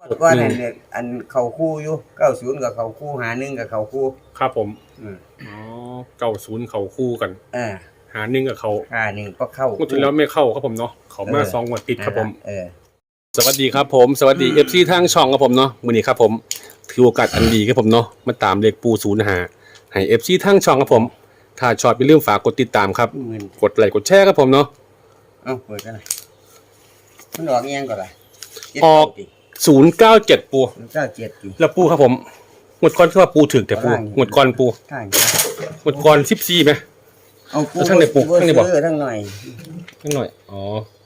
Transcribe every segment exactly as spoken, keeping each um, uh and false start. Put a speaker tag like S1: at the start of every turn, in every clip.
S1: ก็นั่นเนี่ยอันเขาคู่อยู่เก้าศูนย์กับเขาคู่หาหนึ่งกับเขาคู่
S2: ครับผม
S1: อืม
S2: อ๋อเก้าศูนย์เขาคู่กัน
S1: อ่า
S2: หาหนึ่งกับเขา
S1: หาหนึ่งก็เข้าง
S2: วดที่แล้วไม่เข้าครับผมเนาะเขามาสองงวดติดครับผม
S1: เออ
S2: สวัสดีครับผมสวัสดี เอฟ ซี ทางช่องครับผมเนาะมื้อนี้ครับผมถือโอกาสอันดีครับผมเนาะมาตามเลขปูศูนย์หาให้ เอฟ ซี ทางช่องครับผมถ้าชอบอย่าลืมฝากกดติดตามครับกดไลค์กดแชร์ครับผมเนาะ
S1: เอ้าเปิดกันหน่อยมันออกยังก่อนล่ะ
S2: ออกศูนย์เก้าเจ็ดปู
S1: เก้าเจ็ดกี่
S2: แล้วปูครับผมงวดก่อนคือว่าปูถึกแต่ปูงวดก่อนปูงวดก่อนสิบสี่ไหม
S1: เอาปูทั้งในปูทั้งในบ่ทั้งหน่อย
S2: ทั้งหน่อยอ๋อ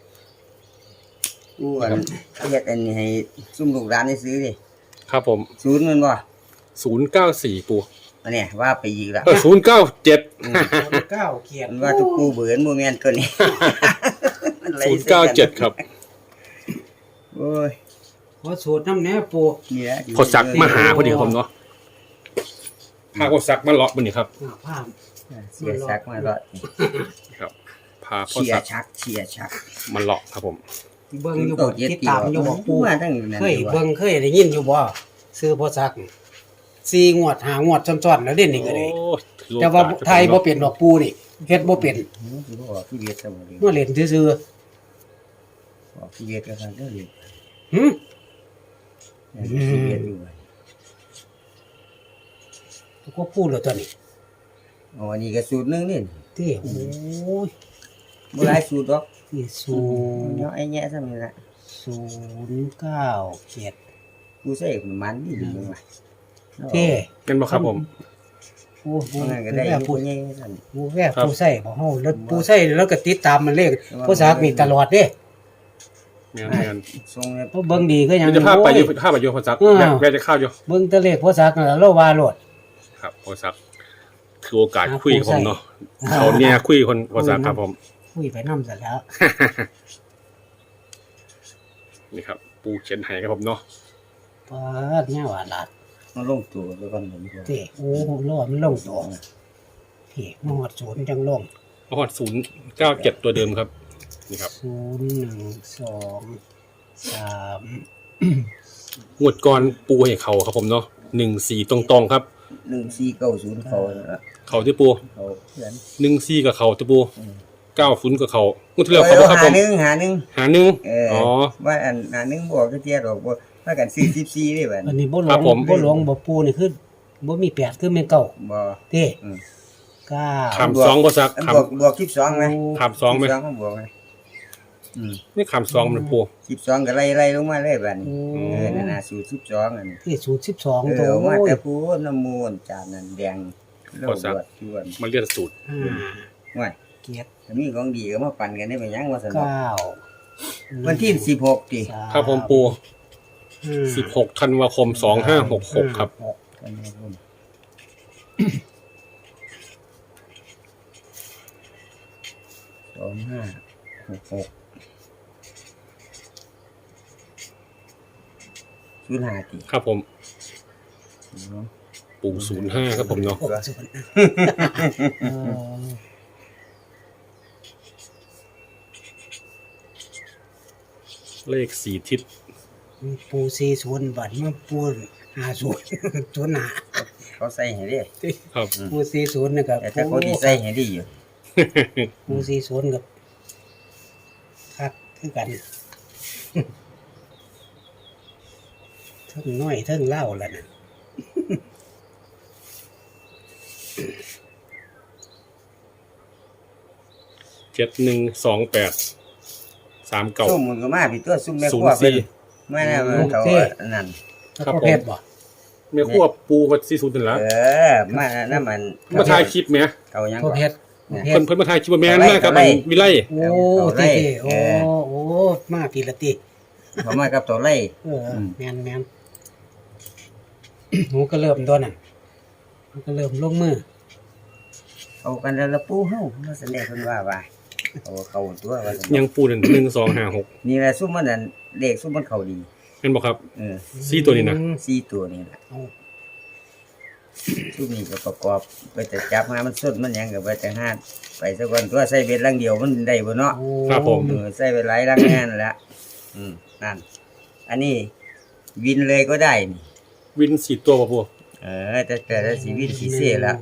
S1: ปูอันเรียกอันนี้ให้ซุ่มลูกร้านได้ซื้อดิ
S2: ครับผม
S1: ศูนย์มันบ่
S2: ศูนย์เก้าสี่ปู
S1: อันนี้ว่าไปอีกแล้ว
S2: เออศูนย์เก้าเจ็ด
S3: เก้าเขียน
S1: ว่าทุกปูเบื่อโมเมนต์ตัวนี้
S2: ศูนย์เก้าเจ็ดครับ
S1: โอ้ย
S3: ขอสูตรน้ำแหน่ปู
S1: นี่แหละ
S2: เขาสักมาหาพอดีผมเนาะพาเขาสักมาเลาะมันนี่ครับ
S3: ภาพ
S1: เสียชักมาเลาะ
S2: ครับพาเขา
S1: เสีย
S2: สัก
S1: ชักเสียชัก
S2: มาเลาะครับผม
S3: เบิ่งอยู่บ่ติดตามอยู่บ่ปูเคยเบิ่งเคยได้ยินอยู่บ่ซื้อพอสักสี่งวดห้างวดซ้อนๆแล้วเด่นนี่ก็ได้แต่ว่าไทยบ่เป็นดอกปูนี่เฮ็ดบ่เป็น
S1: ที่เวียดซะบ่
S3: เมื่อเล่นซื่อ
S1: ๆบอกที่เวียดก็ทางเด้อเลย
S3: หึ
S1: ที่เวียดอยู่
S3: ก็พูดแล้วตอนนี้
S1: อ๋อนี่ก็สูตรนึงนี่
S3: ติโอ้ย
S1: บ่หลายสูตรดอก
S3: นี่สูตร
S1: เนาะไอ้แยะซะนี่ล่ะ
S3: ศูนย์เก้าเจ็ด
S1: กูใส่มันนี่ดีจังว่า
S3: เท่
S2: เป็นบ่ครับผม
S3: โอ้โห
S1: ก็ได้ผู้ใหญ่ซั่น
S3: ผู้แว่ผู้ใส่บ่เฮาแล้วผู้ใส่แล้วก็ติดตามมันเลขผู้สักนี่ตลอดเด้
S2: แม่น
S1: ๆส่ง
S3: เพราะเบิ่งดีก็ยัง
S2: จะพาไปอยู่พาไปอยู่พอสักแม่จะเข้าอยู่
S3: เบิ่งแต่เลขผู้สักนั่นเราว่าโลด
S2: ครับพอสักถือโอกาสคุยกับผมเนาะเขาเนี่ยคุยคนพอสักครับผม
S3: คุยไปนำซะแล้ว
S2: นี่ครับปูเขียนให้ครับผมเนาะ
S3: ปาดเนี่ยว่าลาด
S1: มันลงตัวแล้วก่อนผม
S3: ติโอ้รอดมันลงตัวพี่มฮอดศูนย์จังลง
S2: มฮอดศูนย์เก้าเจ็ดตัวเดิมครับนี่ครับ
S3: ศูนย์หนึ่งสองสาม
S2: งวดก่อนปูให้เขาครับผมเนาะหนึ่งสี่ตรงๆครับ
S1: หนึ่งสี่เก้าศูนย์เขา
S2: เขาที่ปู
S1: เขาเขียน
S2: หนึ่งสี่กับเขาที่ปูเก้าศูนย์กับเขางวดที่แล้วเขาบ่ครับผม
S1: หาหนึ่งหาหนึ่ง
S2: หาหนึ่ง
S1: อ๋อว่าอันหาหนึ่งบอกก็เทียดอกบ่พากันสี่สิบสี่นี่บัด
S3: อันนี้บ่หลวงบ่หลวงบ่ปูนี่คือบ่มีแปดคือแม่นเก้า
S1: บ่
S3: เด้เก้า
S2: คำสองบ่ซัก
S1: บวกบวกสิบสองมั้ย
S2: คำสองมั้ย
S1: สองบวกมั้ยอืม
S2: นี่คำสองมันปู
S1: สิบสองก็ไล่ๆลงมาเลยบัดนี้เออนั่นน่ะสูตรสิบสองอันนี้
S3: ที่สูตรสิบสอง
S1: ตัวมาแต่ปูน้ำมูลจานนั้นแดง
S2: พอซักมันเรียนสูตร
S1: ว่า
S3: เกียรติ
S1: มีของดีก็มาปั่นกันได้ไปยังว่าซั่น
S3: เก้า
S1: วันที่สิบหกติ
S2: ครับผมปูสิบหกธันวาคมสองห้าหกหกครับ
S1: สองห้าหกหกศูนย์ห้าติ
S2: ครับผมปูศูนย์ห้าครับผมเนาะเลขสี่ทิศ
S3: ปูสี่ศูนย์บัดเมื่อปูห้าศูนย์ศูนย์ห้า
S1: เขาใส่ให้ดิ
S2: ครับ
S3: ปูสี่ศูนย์นี่ก็
S1: แต่เขาที่ใส่ให้ดีอยู่
S3: ปูสี่ศูนย์กับคักคือกันเท่งน้อยเท่งเล่าแล้วน่ะ
S2: เจ็ดหนึ่งสองแปดสามเก้า
S1: ซุ่มมันก็มาพี่ตัวซุ่มแม่ครัวเป็นมาแน่มันเขานั่น
S2: ครับผมแม่ครัวปูวัดสี่ศูนย์นั่นล่ะ
S1: เออมานั่นมัน
S2: มาถ่ายคลิปแหม
S1: เขายัง
S3: บ่เฮ็ด
S2: เพิ่นเพิ่นมาถ่ายคลิปว่าแม่นมากับวิไล
S3: โอ้ติโอ้โอ้มาทีละติ
S1: บ่มากับตัวไล่
S3: เออแม่นๆหนูก็เริ่มตัวนั่นมันก็เริ่มลงมือ
S1: เอากันแล้วละปูเฮามาแสดงเพิ่นว่าว่าเอาเข้าตัวว่า
S2: ยังปูนั่นหนึ่ง สอง ห้า หก
S1: นี่แหละซุ่มมันนั่นเลขซุ่มมันเข้าดี
S2: แม่นบ่ครับ
S1: เออ
S2: สี่ตัวนี้นะ
S1: สี่ตัวนี่ล่ะซุ่มนี่ก็ประกอบไปแต่จับมามันสดมันหยังก็ไปแต่หาไปซะก่อนตัวใส่เบ็ดลังเดียวมันได้บ่เนาะ
S2: ครับผม
S1: เออใส่ไปหลายลังงานนั่นแหละอืมนั่นอันนี้วินเลยก็ได้นี่
S2: วินสี่ตัวป่ะปู
S1: เออแต่แต่ละสีวินสีเสียแล้ว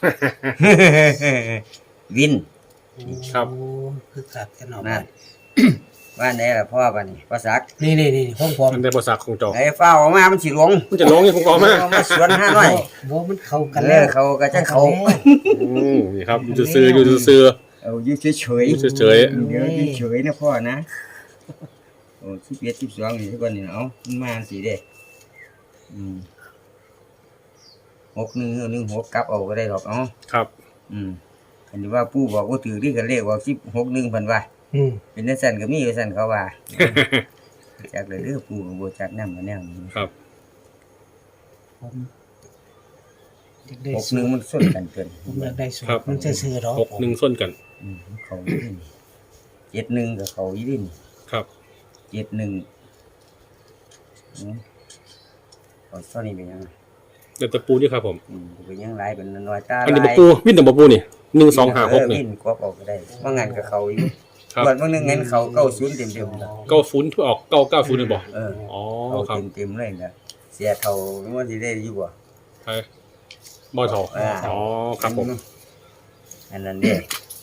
S1: วิน
S2: ครับ
S3: โอ้คือกัดกันออก
S1: นั่นว่าไหนล่ะพ่อป่ะนี่พ่อซัก
S3: นี่นี่นี่ของผม
S2: มันได้ภาษาของเจ้า
S1: ไอ้เฝ้าออกมามันสิหลง
S2: มันจะร้องยังผมบอกมา
S1: เอามาสวนห้าหน่อย
S3: บ่มันเข้ากัน
S1: เอ
S3: แล้
S1: อ
S3: ว
S1: เขาก็จะเขา
S2: อืมนี่ครับอยู่ซื่อๆอยู่ซื่อ
S1: เอาอยู่เฉย
S2: ๆอยู่เฉย
S1: ๆเดี๋ยวอยู่เฉยนะพ่อนะโอ้สิบเอ็ดสิบสองนี่ทุกคนนี่เอามันมาสิเด้อืมหกหนึ่งหนึ่งหกกลับเอาก็ได้หรอกเอ๋อ
S2: ๆครับ
S1: อืมอันนี้ว่าปู่บอกว่าถือที่กันเลขว่าสิบหกหนึ่งพันว่า
S3: อืม
S1: เป็นนักสั่นก็มีนักสั่นเขาว่า จากเลยเด้อปู่ก็บ่จักนำมาแนวนี้
S2: ครับ
S3: ผมอยากได้
S1: หกห
S3: สู
S1: นึ่ง
S3: ตร
S1: มันส้นกันเกิน
S3: ผมอยากได้สู
S2: ครั
S3: ต
S2: บ
S3: รมันจะซื้อๆดอก
S2: หกหนึ่งส้นกัน
S1: อืมเขาอยู่ดิเจ็ดหนึ่งกับเขาอยู่ดิ
S2: ครับ
S1: เจ็ดหนึ่งอืมเอาตอนนี้เป็นยังไง
S2: เดี๋ยวตะปูนี่ครับผม
S1: อืมเป็นยังไรเป็นน้อยตา
S2: อันนี้
S1: ลา
S2: ตะ
S1: ย
S2: ปูวิ่งแต่ตะปูนี่หนึ่งสองห้าหก
S1: เออ
S2: นี่
S1: วิ่งกวบออกก็ได้ว่างานกับเขาอยู่
S2: ครับ
S1: วันวันหนึงเงินเขาเก้าศูนย์เต็มเต็มๆเลย
S2: เก้าศูนย์ที่ออกเก้าเก้าศูนย์เลยบอก
S1: เออ
S2: อ๋อ
S1: เขา
S2: ครับ
S1: เต็มเต็มๆเลยนะเสียเท่ามันสิได้อยู่บ่
S2: ใช่บ่อทอ
S1: อ่า
S2: อ๋อครับผม
S1: อันนั้นเด้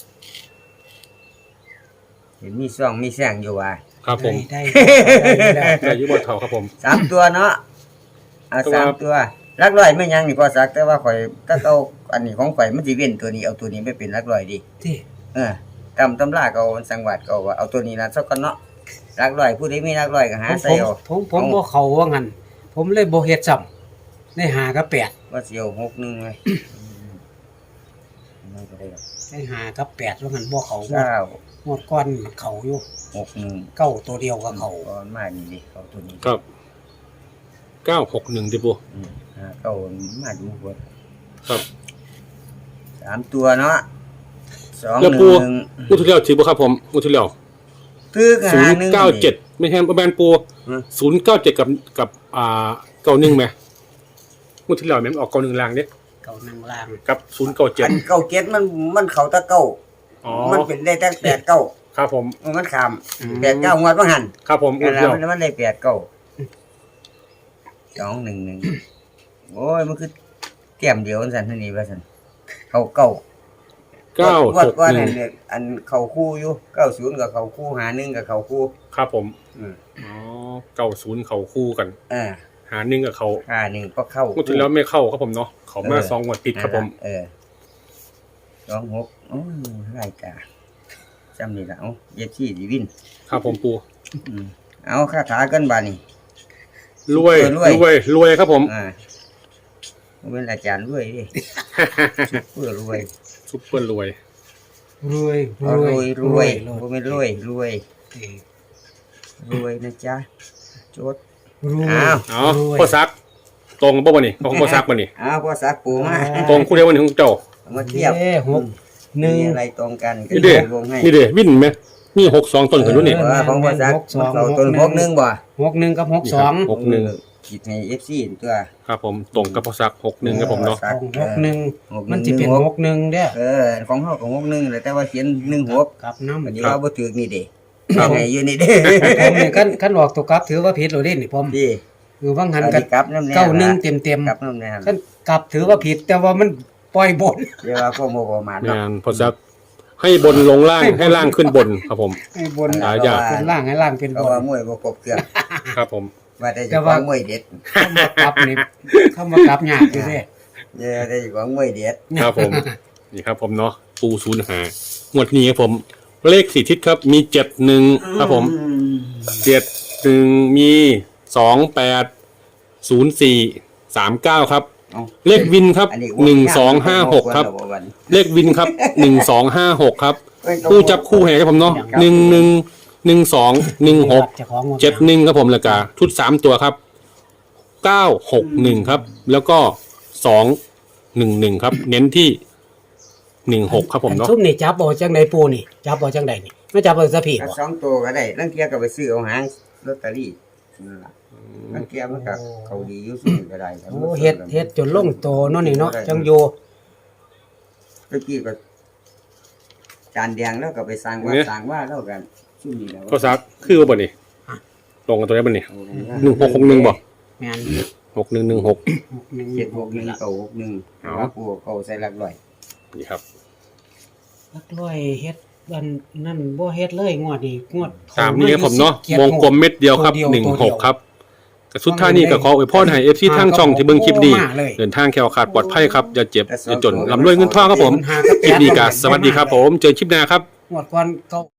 S1: เห็นมีซ่องมีแสงอยู่ว่า
S2: ครับผม
S3: ได้ได้ได้
S2: แต่อยุบ่อทอครับผม
S1: สามตัวเนาะเอา
S2: ตัว
S1: สามตัวลักร้อยไม่ยังนี่พอสักแต่ว่าข่อยถ้าเอาอันนี้ของข่อยมันสิเว้นตัวนี้เอาตัวนี้ไม่เป็นลักร้อยดิ
S3: ที่
S1: เออตำตำราก็เอาสังวัดก็เอาว่าเอาตัวนี้นะสักกันเนาะลักร้อยผู้ใดมีลักร้อยก็หา
S3: ผม
S1: ใส่เอา
S3: ผมผมบ่เข้าว่างั้นผมเลยบ่เฮ็ดซ้ำได้หากับแปด
S1: ว่าสิเอาหกหนึงเลยมันก็ได้ดอก
S3: ได้หากับแปดว่างั้นบ่เข้า
S1: เก้าง
S3: วดก้อนเข้าอยู่
S1: หกหนึ่ง
S3: เก้าตัวเดียวก็เข้า
S1: ก้อนมานี่ดิเอาตัวนี้
S2: ครับเก้าหกหนึ่งดิปู
S1: อืมหาเก้ามาดูบ่
S2: ครับ
S1: สามตัวเนาะสอง
S2: แล้ว
S1: ห
S2: ปู
S1: นึ่ง
S2: งูทุเรียวถือบ่ครับผมงูทุเรียว
S1: ตึก
S2: ศู
S1: หาน
S2: ย์
S1: หนึ่ง
S2: เก้าเจ็ดไม่ใช่แบรนด์ปู
S1: อืม
S2: ศูนย์เก้าเจ็ดกับกับอ่าเก้าหนึ่งไหมงูทุเรียวแม่นออกเก้าหนึ่งลางเด้
S3: เก้านั่งล่าง
S2: กับศูนย์เก้าเจ็ด
S1: อันเก้าเจ็ดมันมันเข้าแตะเก้า
S2: อ๋อ
S1: มันเป็นได้ตั้งแปดเก้า
S2: ครับผม
S1: มันขามแปดเก้างวดว่าหัน
S2: ครับผมงู
S1: กัน
S2: ทุ
S1: แล้
S2: เรียว
S1: มันมันได้แปดเก้าสองหนึ่งหนึ่งโอ้ยมันคือเต็มเดียวสันเท่านี้ว่าสันเขาเก้า
S2: เก้า
S1: วั
S2: ห
S1: ด
S2: ก
S1: ว่า
S2: หนึ่
S1: นั่
S2: ง
S1: นเนี่ยอันเขาคู่อยู่เก้าศูนย์กับเขาคู่หาหนึ่งกับเขาคู่
S2: ครับผม
S1: อืม
S2: อ๋อเก้าศูนย์เขาคู่กัน
S1: อ่า
S2: หาหนึ่งกับเขา
S1: หาหนึ่งก็เข้า
S2: งูทุเรียวไม่เข้าครับผมเนาะเขามาสองงวดติดครับผม
S1: เออสองหกโอ้ยรายการจำนี่ละเอาเย็บชี่ดีวิน
S2: ครับผมปู
S1: อืมเอาคาถากันบานี่
S2: รวย
S1: รวย
S2: รวยรวยครับผม
S1: อ่าผมเป็นอาจารย์รวยดิเพื่อรวย
S2: ซุปเปอร์รวย
S3: รวย
S1: เอารวยรวย
S3: ร
S1: ผม
S3: วย
S1: เป็นรวยรวย
S3: เออ
S1: รวยนะจ๊ะโจด
S3: รวย
S1: อ้าว
S2: เอา
S3: รวย
S2: พ่อซัก ตรงบ่บ่นี่ของพ่อซักบ่นี่
S1: อ้าวพ่อสักปูมา
S2: ตรงคู่เดียวบ่นี่ของเจ้า
S1: เอามาเทียบ
S3: เอ้หกหนึ่ง
S1: มีอะไรตรงกันก็
S2: นี่เด้
S1: วงให้
S2: นี่เด้วินไหมนี่หกสองต้นกันด้วยนี่
S1: เออของพ่อสักเขาต้นพกหนึงบ่
S3: หกหนึ่งกับหกสอง
S2: หกหนึ่ง
S1: คิดให้ เอฟ ซี ตัว
S2: ครับผมตรงกับพ่อซักหกหนึ่งครับผมเนาะ
S1: สัก
S3: หกหนึ่ง
S1: เออ
S3: มันจะเป็นหกหนึ่งเด้อ
S1: เออของเฮาก็หกหนึ่งแหละแต่ว่าเขียนหนึ่งหก
S3: กับน้ำ
S1: อันนี้
S2: ครับ
S1: เราบ่ถูกนี่เด้ยังไงอยู่นี่เด้
S3: ผมนี่ขั้นขั้นออกตัวกลับถือว่าผิดเลยเด้นี่ผม
S1: พี่
S3: คือว่างหัน
S1: อัน
S3: กั
S1: นี้กลับน้ำแน่
S3: เก้าหนึ่งเต็มเต็ม
S1: กลับน้ำแน่
S3: ขั้นกลับถือว่าผิดแต่ว่ามันปล่อยบน
S1: เดี๋ยวว่าพวกโมประมาณ
S2: งา
S1: เนาะ
S2: นพ่อซักให้บนลงล่างให้ล่างขึ้นบนครับผม
S3: ให้บน
S2: หลายอย่าง
S3: เป็นล่างให้ล่างเป็นบ
S1: เขา
S3: น
S1: ว่ามวยบ่ครบเครื่อง
S2: ครับผม
S1: ว่าแต่
S3: แต่
S1: เจะข
S3: ว่า
S1: องมวยเด็ด
S3: เข้ามากลับนี่เข้ามากลับยากอยู่เด้
S1: เดี๋ยวแต่เจ้าของมวยเด็ด
S2: ครับผมนี่ครับผมเนาะปูศูนย์หางวดนี้ครับผม เลขสี่ทิศครับมีเจ็ดหนึ่งครับผมเจ็ดหนึ่งมีสองแปดศูนย์สี่สามเก้าครับ
S1: เอา
S2: เลขวินครับ
S1: อันนี้
S2: หนึ่งสองห้าหกครับ เลขวินครับหนึ่งสองห้าหกครับคู่จับคู่ให้ครับผมเนาะหนึ่งหนึ่งหนึ่งสองหนึ่งหก
S3: เจ้าของ
S2: เจ็ดหนึ่งครับผมแล้วก็ชุดสามตัวครับเก้าหกหนึ่งครับ แล้วก็สองหนึ่งหนึ่งครับ เน้นที่หนึ่งหกครับผมเนาะ
S3: ซุ่มนี่จับบ่จังไดปูนี่จับบ่จังไดนี่ไม่จับบ่ซะพี่
S1: ก็
S3: บ่
S1: สองตัวก็ได้ลังเทียก็ไปซื้อเอาหางลอตเตอรี่นั่นล่ะลังเทียมันก็เขาดีอยู่ซุ่มก็ได้ครับ
S3: โอ้เฮ็ดเฮ็ดจนลงโตเนาะนี่เนาะจังอยู่
S1: เมื่อกี้ก็จานแดงแล้วก็ไปสร้างว่าสร้างว่าแล้วกันซุ่มนี่แล้ว
S2: ก็ซักคือว่าบ่นี่ลงกันตัวนี้บ่นี่หนึ่งหกหกหนึ่งบ่
S3: แม่น
S2: หกหนึ่งหนึ่งหก
S1: เจ็ดหกหนึ่งเก้าหกหนึ่งว่าปูเขาใส่หลักร้อย
S2: นี่ครับ
S3: ลักร้อยเฮ็ดอันนั่นบ่เฮ็ดเลยงวดนี้งวด
S2: ตามนี้ครับผมเนาะวงกลมเม็ดเดียวครับหนึ่งหกครับกระสุดท้ายนี้ก็ขออวยพรให้ เอฟ ซี ทางช่องที่เบิ่งคลิปนี้เดินทางแคล้วคลาดปลอดภัยครับอย่าเจ็บอย่าจนร่ำรวยเงินทองครับผมคลิปนี้ก็สวัสดีครับผมเจอคลิปหน้าครับ
S3: งวดก่อนเก่า